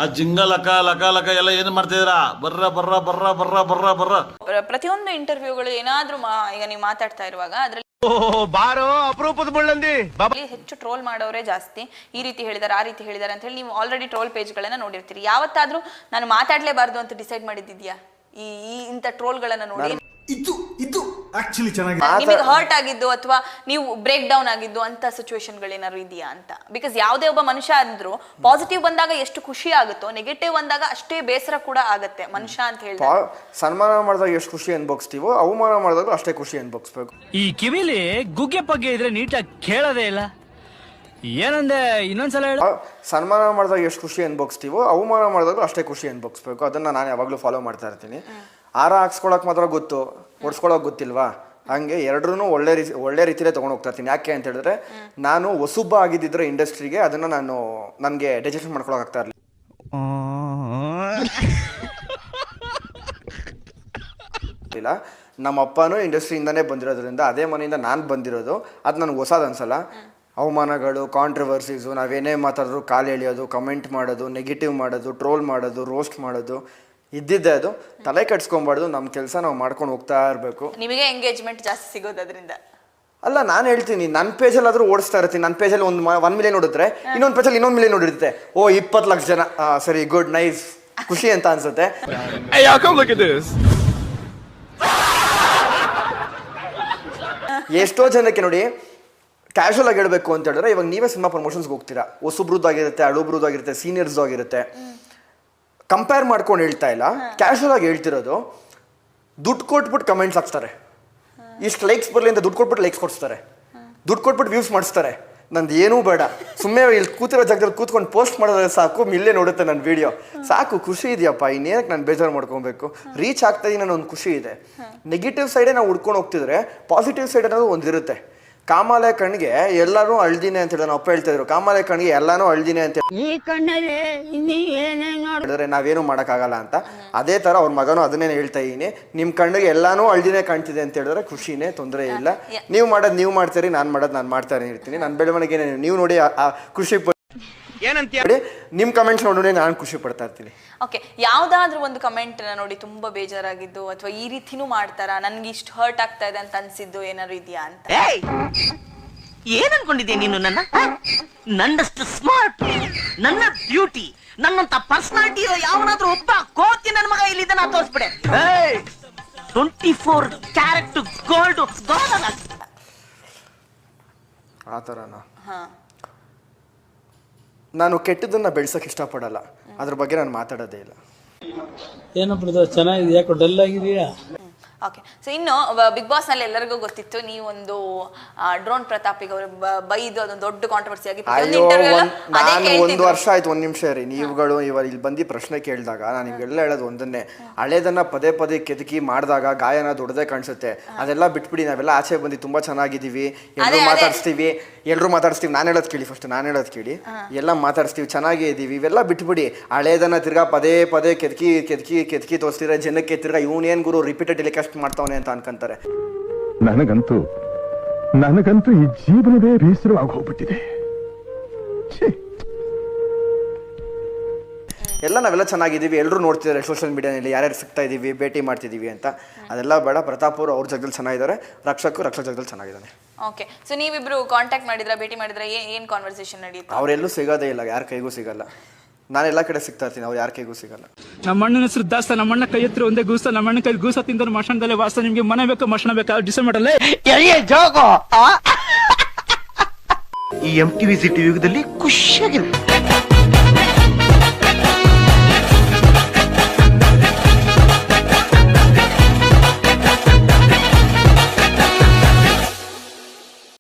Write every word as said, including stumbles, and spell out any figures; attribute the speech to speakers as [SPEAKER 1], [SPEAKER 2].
[SPEAKER 1] ಆ ಜಿಂಗ ಲಕ ಲಕ ಲಕ ಎಲ್ಲ ಏನು ಮಾಡ್ತಿದ್ದೀರಾ? ಬರ್ರ ಬರ್ರ ಬರ್ರ ಬರ್ರ ಬರ್ರ ಬರ್ರ.
[SPEAKER 2] ಪ್ರತಿಯೊಂದು ಇಂಟರ್ವ್ಯೂಗಳು ಏನಾದ್ರೂ ಈಗ ನೀವು ಮಾತಾಡ್ತಾ ಇರುವಾಗ ಅದ್ರಲ್ಲಿ
[SPEAKER 3] ಬಾರೋ ಅಪರೂಪದ ಮುಳ್ಳಂದಿ
[SPEAKER 2] ಹೆಚ್ಚು ಟ್ರೋಲ್ ಮಾಡೋರೇ ಜಾಸ್ತಿ. ಈ ರೀತಿ ಹೇಳಿದಾರೆ, ಆ ರೀತಿ ಹೇಳಿದಾರೆ ಅಂತ ಹೇಳಿ ನೀವು ಆಲ್ರೆಡಿ ಟ್ರೋಲ್ ಪೇಜ್ ಗಳನ್ನ ನೋಡಿರ್ತೀರಿ. ಯಾವತ್ತಾದ್ರೂ ನಾನು ಮಾತಾಡ್ಲೇಬಾರ್ದು ಅಂತ ಡಿಸೈಡ್ ಮಾಡಿದ್ಯಾ ಈ ಇಂಥ ಟ್ರೋಲ್ ಗಳನ್ನ ನೋಡಿ?
[SPEAKER 4] ಇದು ಇದು ಆಕ್ಚುಲಿ ಚೆನ್ನಾಗಿ
[SPEAKER 2] ನಿಮಗೆ ಹರ್ಟ್ ಆಗಿದ್ದು ಅಥವಾ ನೀವು ಬ್ರೇಕ್ ಡೌನ್ ಆಗಿದ್ದು ಅಂತ ಸಿಚುವೇಶನ್ ಗಳೇನಾದ್ರು ಇದೆಯಾ ಅಂತ? ಬಿಕಾಸ್ ಯಾವುದೇ ಒಬ್ಬ ಮನುಷ್ಯ ಅಂದ್ರು ಪಾಸಿಟಿವ್ ಬಂದಾಗ ಎಷ್ಟು ಖುಷಿ ಆಗುತ್ತೋ ನೆಗೆಟಿವ್ ಬಂದಾಗ ಅಷ್ಟೇ ಬೇಸರ ಕೂಡ ಆಗತ್ತೆ ಮನುಷ್ಯ ಅಂತ ಹೇಳಿ.
[SPEAKER 5] ಸನ್ಮಾನ ಮಾಡಿದಾಗ ಎಷ್ಟು ಖುಷಿ ಅನ್ಭವಿಸ್ತೀವೋ ಅವಮಾನ ಮಾಡಿದಾಗ ಅಷ್ಟೇ ಖುಷಿ ಅನ್ಭವಿಸ್ಬೇಕು.
[SPEAKER 6] ಈ ಕಿವಿಲಿ ಗುಗ್ಗೆ ಪಗ್ಗೆ ಇದ್ರೆ ನೀಟಾಗಿ ಕೇಳೋದೇ ಇಲ್ಲ. ಏನಂದೆ ಇನ್ನೊಂದ್ಸಲ ಹೇಳ.
[SPEAKER 5] ಸನ್ಮಾನ ಮಾಡಿದಾಗ ಎಷ್ಟು ಖುಷಿ ಅನ್ಭವಿಸ್ತೀವೋ ಅವಮಾನ ಮಾಡಿದಾಗ ಅಷ್ಟೇ ಖುಷಿ ಅನ್ಭವಿಸ್ಬೇಕು. ಅದನ್ನ ನಾನು ಯಾವಾಗ್ಲೂ ಫಾಲೋ ಮಾಡ್ತಾ ಇರ್ತೀನಿ. ಆರ ಹಾಕ್ಸ್ಕೊಳಕ್ ಮಾತ್ರ ಗೊತ್ತು, ಓಡಿಸ್ಕೊಳಕ್ ಗೊತ್ತಿಲ್ವಾ? ಹಂಗೆ ಎರಡ್ರೂ ಒಳ್ಳೆ ರೀತಿ ಒಳ್ಳೆ ರೀತಿಯಲ್ಲೇ ತೊಗೊಂಡು ಹೋಗ್ತಾ ಇರ್ತೀನಿ. ಯಾಕೆ ಅಂತ ಹೇಳಿದ್ರೆ ನಾನು ಹೊಸಬ್ಬ ಆಗಿದ್ದಿದ್ರೆ ಇಂಡಸ್ಟ್ರಿಗೆ ಅದನ್ನ ನಾನು ನನಗೆ ಡೈಜೆಷನ್ ಮಾಡ್ಕೊಳಕ್ ಆಗ್ತಾ ಇರಲಿಲ್ಲ. ನಮ್ಮ ಅಪ್ಪನೂ ಇಂಡಸ್ಟ್ರಿಯಿಂದಾನೇ ಬಂದಿರೋದ್ರಿಂದ ಅದೇ ಮನೆಯಿಂದ ನಾನು ಬಂದಿರೋದು. ಅದು ನನಗೆ ಹೊಸದು ಅನ್ಸಲ್ಲ. ಅವಮಾನಗಳು, ಕಾಂಟ್ರವರ್ಸೀಸು, ನಾವೇನೇ ಮಾತಾಡಿದ್ರು ಕಾಲು ಎಳೆಯೋದು, ಕಮೆಂಟ್ ಮಾಡೋದು, ನೆಗೆಟಿವ್ ಮಾಡೋದು, ಟ್ರೋಲ್ ಮಾಡೋದು, ರೋಸ್ಟ್ ಮಾಡೋದು ಇದ್ದಿದ್ದೆ. ಅದು ತಲೆ ಕಟ್ಸ್ಕೊಬಾರ್ದು. ನಮ್ಮ ಕೆಲಸ ನಾವು ಮಾಡ್ಕೊಂಡು ಹೋಗ್ತಾ ಇರಬೇಕು.
[SPEAKER 2] ನಿಮಗೆ ಎಂಗೇಜ್ಮೆಂಟ್ ಜಾಸ್ತಿ ಸಿಗೋದು ಅದರಿಂದ
[SPEAKER 5] ಅಲ್ಲ, ನಾನು ಹೇಳ್ತೀನಿ ನನ್ನ ಪೇಜಲ್ಲಿ ಆದರೂ ಓಡಿಸ್ತಾ ಇರ್ತೀನಿ. ನನ್ನ ಪೇಜಲ್ಲಿ ಒಂದು ಒನ್ ಮಿಲಿಯನ್ ನೋಡಿದ್ರೆ ಇನ್ನೊಂದು ಪೇಜಲ್ಲಿ ಇನ್ನೊಂದು ಮಿಲಿಯನ್ ನೋಡಿರುತ್ತೆ. ಓ ಇಪ್ಪತ್ತು ಲಕ್ಷ ಜನ, ಸರಿ ಗುಡ್ ನೈಸ್ ಖುಷಿ ಅಂತ ಅನ್ಸುತ್ತೆ. ಎಷ್ಟೋ ಜನಕ್ಕೆ ನೋಡಿ ಕ್ಯಾಶುವಲ್ ಆಗಿ ಹೇಳ್ಬೇಕು ಅಂತ ಹೇಳಿದ್ರೆ, ಇವಾಗ ನೀವೇ ಸಿನಿಮಾ ಪ್ರಮೋಷನ್ಸ್ಗೆ ಹೋಗ್ತೀರಾ, ಹೊಸಬ್ರದ್ದಾಗಿರುತ್ತೆ, ಹಳುಬ್ರದ್ದಾಗಿರುತ್ತೆ, ಸೀನಿಯರ್ಸ್ ಆಗಿರುತ್ತೆ. ಕಂಪೇರ್ ಮಾಡ್ಕೊಂಡು ಹೇಳ್ತಾ ಇಲ್ಲ, ಕ್ಯಾಶುವಲ್ ಆಗಿ ಹೇಳ್ತಿರೋದು. ದುಡ್ಡು ಕೊಟ್ಬಿಟ್ಟು ಕಮೆಂಟ್ಸ್ ಹಾಕ್ತಾರೆ, ಇಷ್ಟು ಲೈಕ್ಸ್ ಬರಲಿ ಅಂತ ದುಡ್ಡು ಕೊಟ್ಬಿಟ್ಟು ಲೈಕ್ಸ್ ಕೊಡಿಸ್ತಾರೆ, ದುಡ್ಡು ಕೊಟ್ಬಿಟ್ಟು ವ್ಯೂಸ್ ಮಾಡಿಸ್ತಾರೆ. ನಂದು ಏನೂ ಬೇಡ, ಸುಮ್ಮನೆ ಇಲ್ಲಿ ಕೂತಿರೋ ಜಾಗದಲ್ಲಿ ಕೂತ್ಕೊಂಡು ಪೋಸ್ಟ್ ಮಾಡಿದ್ರೆ ಸಾಕು, ಮಿಲ್ಲೇ ನೋಡುತ್ತೆ ನನ್ನ ವಿಡಿಯೋ, ಸಾಕು. ಖುಷಿ ಇದೆಯಪ್ಪ, ಇನ್ನೇನಕ್ಕೆ ನಾನು ಬೇಜಾರು ಮಾಡ್ಕೊಬೇಕು? ರೀಚ್ ಆಗ್ತಾ ಇದೀನಿ ಅನ್ನೋ ಒಂದು ಖುಷಿ ಇದೆ. ನೆಗೆಟಿವ್ ಸೈಡೇ ನಾವು ಹುಡ್ಕೊಂಡು ಹೋಗ್ತಿದ್ರೆ ಪಾಸಿಟಿವ್ ಸೈಡ್ ಅನ್ನೋದು ಒಂದಿರುತ್ತೆ. ಕಾಮಾಲೆ ಕಣ್ಣಿಗೆ ಎಲ್ಲರೂ ಅಳ್ದಿನೇ ಅಂತ ಹೇಳಿ ಅಪ್ಪ ಹೇಳ್ತಾ ಇದ್ರು. ಕಾಮಾಲೆ ಕಣ್ಣಿಗೆ ಎಲ್ಲಾನು ಅಳ್ದಿನೇ ಅಂತ ಹೇಳಿದ್ರೆ ನಾವೇನು ಮಾಡೋಕ್ಕಾಗಲ್ಲ ಅಂತ. ಅದೇ ಥರ ಅವ್ರ ಮಗನೂ ಅದನ್ನೇ ಹೇಳ್ತಾ ಇದೀನಿ. ನಿಮ್ಮ ಕಣ್ಣಿಗೆ ಎಲ್ಲಾನು ಅಳ್ದಿನೇ ಕಾಣ್ತಿದೆ ಅಂತ ಹೇಳಿದ್ರೆ ಖುಷಿನೇ, ತೊಂದರೆ ಇಲ್ಲ. ನೀವು ಮಾಡೋದು ನೀವು ಮಾಡ್ತೀರಿ, ನಾನು ಮಾಡೋದು ನಾನು ಮಾಡ್ತಾನೆ ಇರ್ತೀನಿ. ನನ್ನ ಬೆಳವಣಿಗೆ ನೀವು ನೋಡಿ ಆ ಖುಷಿ ಏನಂತ ನಿಮ್ ಕಮೆಂಟ್ಸ್ ನೋಡಿ ನಾನು ಖುಷಿ ಪಡ್ತಾ ಇರ್ತೀನಿ.
[SPEAKER 2] ಓಕೆ, ಯಾವ್ದಾದ್ರು ಒಂದು ಕಮೆಂಟ್ ನೋಡಿ ತುಂಬಾ ಬೇಜಾರಾಗಿದ್ದು ಅಥವಾ ಈ ರೀತಿನೂ ಮಾಡ್ತಾರಾ, ನನ್ಗೆ ಇಷ್ಟು ಹರ್ಟ್ ಆಗ್ತಾ ಇದೆ ಅಂತ ಅನ್ಸಿದ್ದು ಏನಾದ್ರು ಇದೆಯಾ ಅಂತ?
[SPEAKER 7] ಏನ್ ಅನ್ಕೊಂಡಿದ್ಯಾ ನೀನು? ನನ್ನ ನನ್ನಷ್ಟು ಸ್ಮಾರ್ಟ್, ನನ್ನ ಬ್ಯೂಟಿ, ನನ್ನಂತ ಪರ್ಸನಾಲಿಟಿ ಇರೋ ಯಾವನಾದ್ರೂ ಒಬ್ಬ ಕೋತಿ ನನ್ನ ಮಗ ಇಲ್ಲಿದ್ದ ನಾ ತೋರಿಸ್ಬಿಡೆ. ಟ್ವೆಂಟಿ ಫೋರ್ ಕ್ಯಾರೆಟ್ ಗೋಲ್ಡ್
[SPEAKER 5] ಆ ಥರನಾ? ನಾನು ಕೆಟ್ಟದನ್ನ ಬೆಳ್ಸಕ್ಕೆ ಇಷ್ಟಪಡಲ್ಲ, ಅದ್ರ ಬಗ್ಗೆ ನಾನು ಮಾತಾಡೋದೇ ಇಲ್ಲ.
[SPEAKER 8] ಏನಪ್ಪ ಚೆನ್ನಾಗಿದೆ, ಯಾಕೋ ಡಲ್ ಆಗಿದೆಯಾ?
[SPEAKER 2] ಓಕೆ, ಸೊ ಇನ್ನು ಬಿಗ್ ಬಾಸ್ ನಲ್ಲಿ ಎಲ್ಲರಿಗೂ ಗೊತ್ತಿತ್ತು ನೀವೊಂದು ಡ್ರೋನ್ ಪ್ರತಾಪಿಗೆ ಅವರು ಬೈದು ಅದೊಂದು ದೊಡ್ಡ ಕಾಂಟ್ರವರ್ಸಿ ಆಗಿ
[SPEAKER 5] ನಾನು ಒಂದು ವರ್ಷ ಆಯ್ತು. ಒಂದ್ ನಿಮಿಷ ರೀ, ನೀವುಗಳು ಇವಾಗ ಇಲ್ಲಿ ಬಂದು ಪ್ರಶ್ನೆ ಕೇಳಿದಾಗ ನಾನು ನಿಮ್ಗೆಲ್ಲ ಹೇಳೋದು ಒಂದನ್ನೇ, ಹಳೇದನ್ನ ಪದೇ ಪದೇ ಕೆದಕಿ ಮಾಡಿದಾಗ ಗಾಯನ ದೊಡ್ಡದೇ ಕಾಣಿಸುತ್ತೆ. ಅದೆಲ್ಲ ಬಿಟ್ಬಿಡಿ, ನಾವೆಲ್ಲ ಆಚೆ ಬಂದು ತುಂಬಾ ಚೆನ್ನಾಗಿದ್ದೀವಿ, ಎಲ್ಲರೂ ಮಾತಾಡಿಸ್ತೀವಿ, ಎಲ್ಲರೂ ಮಾತಾಡಿಸ್ತೀವಿ. ನಾನು ಹೇಳೋದು ಕೇಳಿ, ಫಸ್ಟ್ ನಾನು ಹೇಳೋದು ಕೇಳಿ, ಎಲ್ಲ ಮಾತಾಡಿಸ್ತೀವಿ, ಚೆನ್ನಾಗೇ ಇದ್ದೀವಿ, ಇವೆಲ್ಲ ಬಿಟ್ಬಿಡಿ. ಹಳೇದನ್ನ ತಿರ್ಗಾ ಪದೇ ಪದೇ ಕೆದಕಿ ಕೆದಕಿ ಕೆದಕಿ ತೋರಿಸ್ತಿದ್ರೆ ಜನಕ್ಕೆ ತಿರ್ಗಾ ಇವನೇನ್ ಗುರು ರಿಪೀಟೆಡ್ ಟೆಲಿಕಾಸ್ಟ್ ಮಾಡ್ತಾವನೆ ಅಂತ ಅನ್ಕೊಂತಾರೆ.
[SPEAKER 9] ನನಗಂತೂ ನನಗಂತೂ ಈ ಜೀವನವೇ ಬೇಸರವಾಗಿ ಹೋಗ್ಬಿಟ್ಟಿದೆ.
[SPEAKER 5] ಎಲ್ಲ ನಾವೆಲ್ಲ ಚೆನ್ನಾಗಿದ್ದೀವಿ, ಎಲ್ಲರೂ ನೋಡ್ತಿದ್ದಾರೆ ಸೋಷಿಯಲ್ ಮೀಡಿಯಾನಲ್ಲಿ ಯಾರ್ಯಾರು ಸಿಗ್ತಾ ಇದೀವಿ, ಭೇಟಿ ಮಾಡ್ತಿದ್ದೀವಿ ಅಂತ. ಅದೆಲ್ಲ ಬೇಡ. ಪ್ರತಾಪ್ ಅವರು ಅವ್ರ ಜಾಗದಲ್ಲಿ ಚೆನ್ನಾಗಿದ್ದಾರೆ, ರಕ್ಷಕು ರಕ್ಷಕ ಜಾಗದಲ್ಲಿ ಚೆನ್ನಾಗಿದ್ದಾನೆ.
[SPEAKER 2] ಓಕೆ, ಸೊ ನೀವಿಬ್ರು ಕಾಂಟ್ಯಾಕ್ಟ್ ಮಾಡಿದ್ರ, ಭೇಟಿ ಮಾಡಿದ್ರ, ಏನ್ ಕಾನ್ವರ್ಸೇಷನ್ ನಡೆಯುತ್ತೆ?
[SPEAKER 5] ಅವರೆಲ್ಲೂ ಸಿಗೋದೇ ಇಲ್ಲ, ಯಾರ ಕೈಗೂ ಸಿಗಲ್ಲ. ನಾನು ಎಲ್ಲ ಕಡೆ ಸಿಗ್ತಾ ಇರ್ತೀನಿ, ಅವ್ರು ಯಾರ ಕೈಗೂ ಸಿಗಲ್ಲ.
[SPEAKER 8] ನಮ್ಮ ಅಣ್ಣನ ಹೆಸರು ದಾಸ್ತ, ನಮ್ಮ ಅಣ್ಣ ಕೈ ಹತ್ರ ಒಂದೇ ಗೂಸ, ನಮ್ಮ ಅಣ್ಣ ಕೈ ಗೂಸ ತಿಂದ್ರೆ ಮಶಾನದಲ್ಲೇ ವಾಸ. ನಿಮ್ಗೆ ಮನೆ ಬೇಕು ಮಶಾನ ಬೇಕಾ ಡಿಸೈಡ್ ಮಾಡಲ್ಲ.
[SPEAKER 7] ಈ ಎಂ ಟಿವಿ ಸಿಟಿ ಯುಗದಲ್ಲಿ ಖುಷಿಯಾಗಿರುತ್ತೆ.